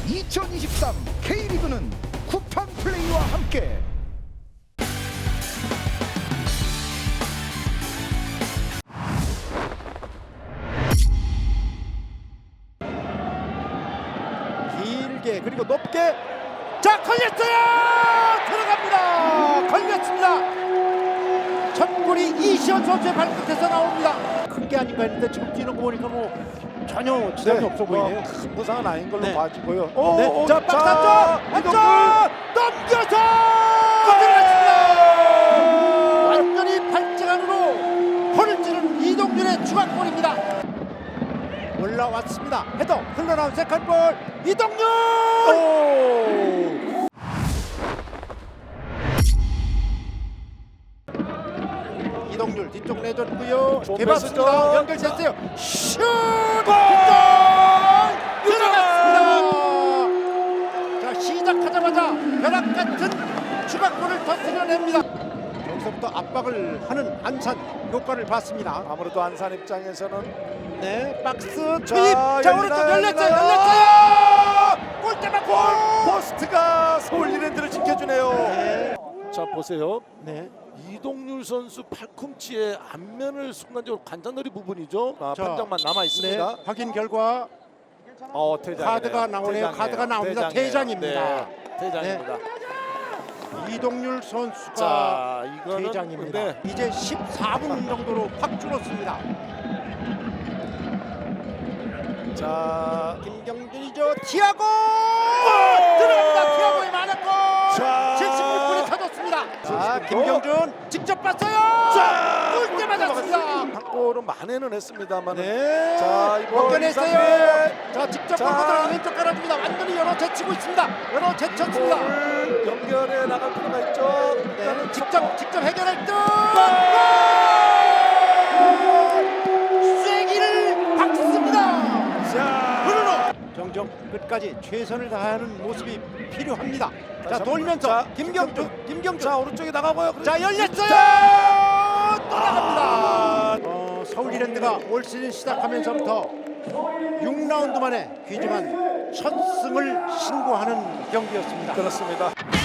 2023 K리그는 쿠팡 플레이와 함께 길게 그리고 높게 자 걸렸어요. 들어갑니다. 걸렸습니다. 첫 골이 이시현 선수의 발끝에서 나옵니다. 큰 게 아닌가 했는데 지금 뛰는 거 보니까 뭐 전혀 지장이 없어 보이네요. 큰 부상은 아닌 걸로 네. 봐지고요. 네. 자 박스 안쪽 안쪽 넘겨서 들어갔습니다. 완전히 발등 안으로 홀을 찌른 이동준의 추가골입니다. 올라왔습니다. 헤더 흘러나온 세컨볼 이동준. 이동률 뒤쪽 내줬고요. 좋은 개봤습니다. 패스죠. 연결됐어요. 슛! 골! 들어갔습니다. 자 시작하자마자 벼락 같은 추가골을 터뜨려냅니다. 여기서부터 압박을 하는 안산 효과를 봤습니다. 아무래도 안산 입장에서는 네, 박스 투입. 자, 자 오른쪽 열렸어요. 골대 맞고 포스트가 서울 이랜드를 지켜주네요. 네. 자 보세요. 네. 이동률 선수 팔꿈치의 앞면을 순간적으로 관자놀이 부분이죠. 자, 판정만 남아 있습니다. 네. 확인 결과 퇴장이네요. 카드가 나오네요. 카드가 나옵니다. 퇴장입니다. 네, 퇴장입니다. 이동률 선수가 자 이거는 퇴장입니다. 네. 이제 14분 정도로 확 줄었습니다. 자 김경준이죠. 티아고 들어갑니다. 티아고의 만화골. 자, 76분이 터졌습니다. 자 김경준 직접 봤어요. 자, 골대 맞았습니다. 한 골은 만회는 했습니다만. 네. 자 이번 벗겨냈어요. 이상민. 자 직접 자. 골 들어가 왼쪽 깔아줍니다. 완전히 열어 제치고 있습니다. 열어 제쳤습니다. 골 연결해 나갈 필요가 있죠. 네. 직접 해결할 듯. 쐐기를 박습니다. 자 브루노 정정 끝까지 최선을 다하는 모습이 필요합니다. 자 다시 돌면서 한번. 자, 김경준 자 오른쪽에 나가고요. 자 열렸어요. 또 나갑니다. 서울 이랜드가 올 시즌 시작하면서부터 6라운드 만에 귀중한 첫 승을 신고하는 경기였습니다. 그렇습니다.